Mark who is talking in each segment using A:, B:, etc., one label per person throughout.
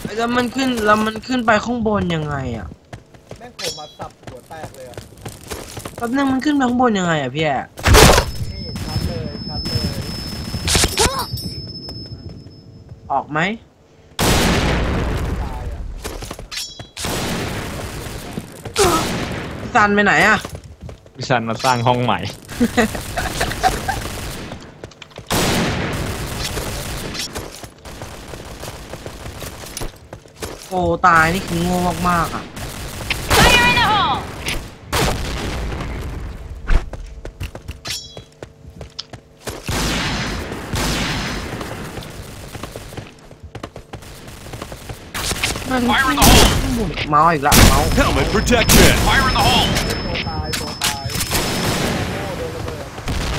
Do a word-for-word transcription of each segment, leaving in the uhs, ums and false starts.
A: แล้วมันขึ้นแล้วมันขึ้นไปข้างบนยังไงอ่ะ
B: แม่งผมมาสับหัวแตกเลยอ่ะ
A: แป๊บนึงมันขึ้นไปข้างบนยังไงอ่ะพี่แอะ
B: นี่ชัดเลยชัดเลย
A: ออกไหม
B: ตายอ่ะ
A: พี่ซันไปไหนอ่ะ
C: พี่ซันมาสร้างห้องใหม่
A: โอ้ตายนี่คือโง่มากๆอ่ะมันเมาอีกละเมา
D: Helmet protection.
E: Fire in the hole.
B: ตัวตายตัวตายโง่โดนระเบิด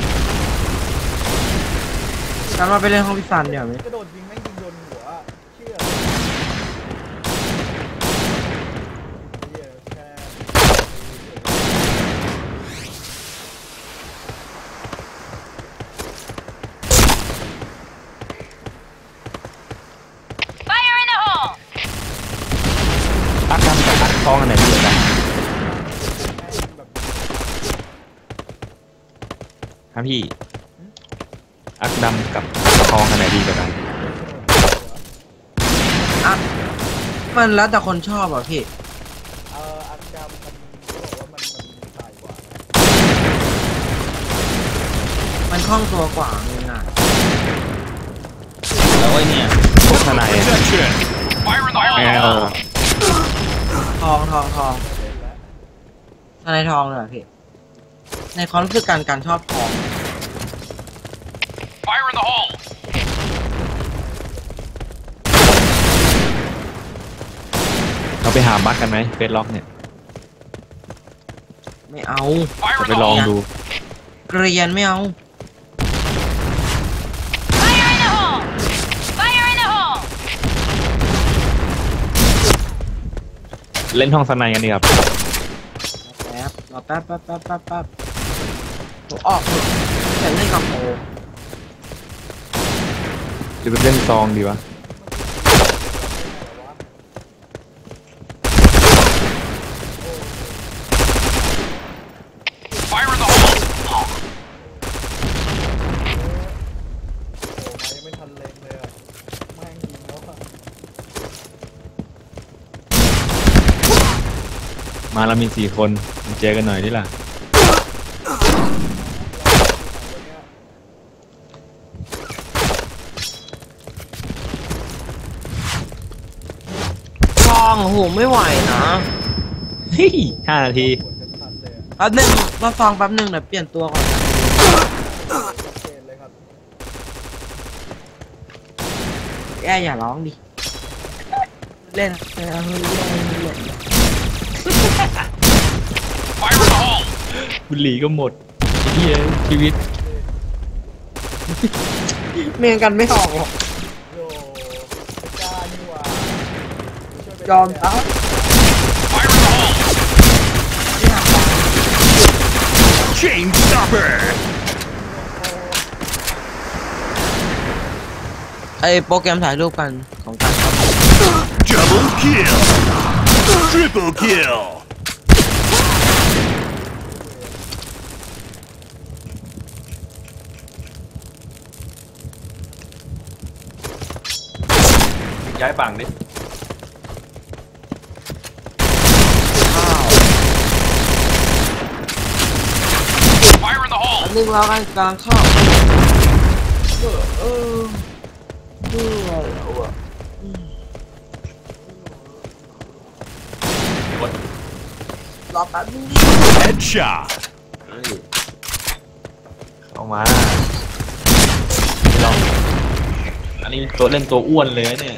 A: ฉันมาไปเล่นห้องพี่ซันเดี๋ยวไหม
B: กระโดดยิงแม่งยิงโดนหัวเชื่อเหี้ยแค่
C: อักดำกับอักทองอันไหนดีกว่ากันครับพี่อักดำกับอักทองอันไหนดีกว่ากัน
A: อ่ะมันแล้วแต่คนชอบอ่ะพี่
B: เอ่ออันดำมันเขาบอกว่ามันมันตายกว่านะ
A: มันคล่องตัวกว่าง่าย
C: แล้วไอ้เนี่ยพวกทนาย
D: Protection.
E: Fire in the
C: แอ
E: hole.
C: ล
A: ๆทองทองทองในทองเลยเหรอพี่ในความรู้สึกการการชอบทอง
E: Fire in the hole.
C: เราไปหาบั๊กกันไหมเฟซล็อกเนี่ย
A: ไม่เอา
E: Fire
C: จะ
E: in
C: ไป
E: the
C: ลอง
E: hole.
C: ดู
A: เกรียนไม่เอา
C: เล่นห้องสไนกันดีครับ
A: แป๊บรอแป๊บแป๊บแป๊บแป๊บแป๊บหนูออกเถอะแต่เล่นกับโอ
C: หรือไปเล่นซองดีวะ
E: Fire in the hole.
B: โอ้มายังไม่ทันเล็งเลยอะแม่งยิงแล้วอะ
C: มาเรามีสี่คนมาเจอกันหน่อยดิล่ะ
A: ทองโอ้โหไม่ไหวนะ
C: เฮ้ยห้านาที
B: ปวดกันทันเลยอะ
A: แป๊บนึงเราฟังแป๊บนึงเดี๋ยวเปลี่ยนตัวก่อน
B: ชัดเจนเลยครับ
A: แกอย่าร้องดิเล่นเล่นเล่นเล่นเล่น
E: Fire in the hole.
C: บุหรี่ก็หมดไอ้เหี้ยชีวิต
A: เมียงกันไม่ออกหรอก
B: โยไม่กล้านี่หว่าช่วยไป
A: ยอมตาย
E: Fire in the hole.
D: Chain stopper.
A: ไอโปรแกรมถ่ายรูปกันของการครับ
D: Double kill. Triple kill.
C: ย้ายฝั่งดิ
A: ข้าว
E: Fire in the
A: อั
E: hole.
A: นนึงเรากันกลางเข้าเออเออเออแล้วอะรอแป๊บนึงดิ
D: Headshot.
C: เข้ามาลองอันนี้ตัวเล่นตัวอ้วนเลยเนี่ย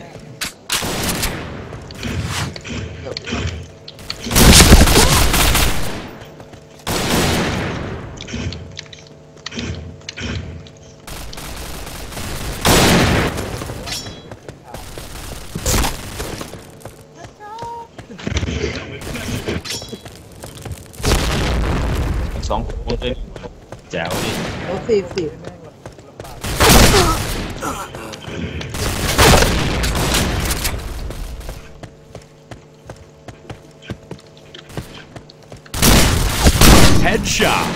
C: สองคนเลยแจ๋วดิ
A: โอ้สี่สิบ
B: แ
D: Headshot.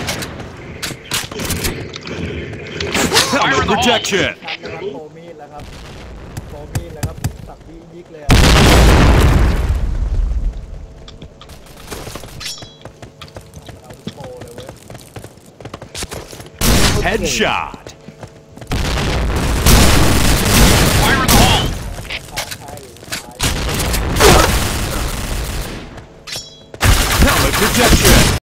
E: Fire
D: Helmet
E: in the hole.
D: protection.
B: ชัดนะครับโปรมีดแล้วครับโปรมีดแล้วครับสับยิกยิกเลยอะเอาโปรเลยเว้ย
D: Headshot.
E: Fire in the hole.
B: ใช่ใช่
D: Helmet protection.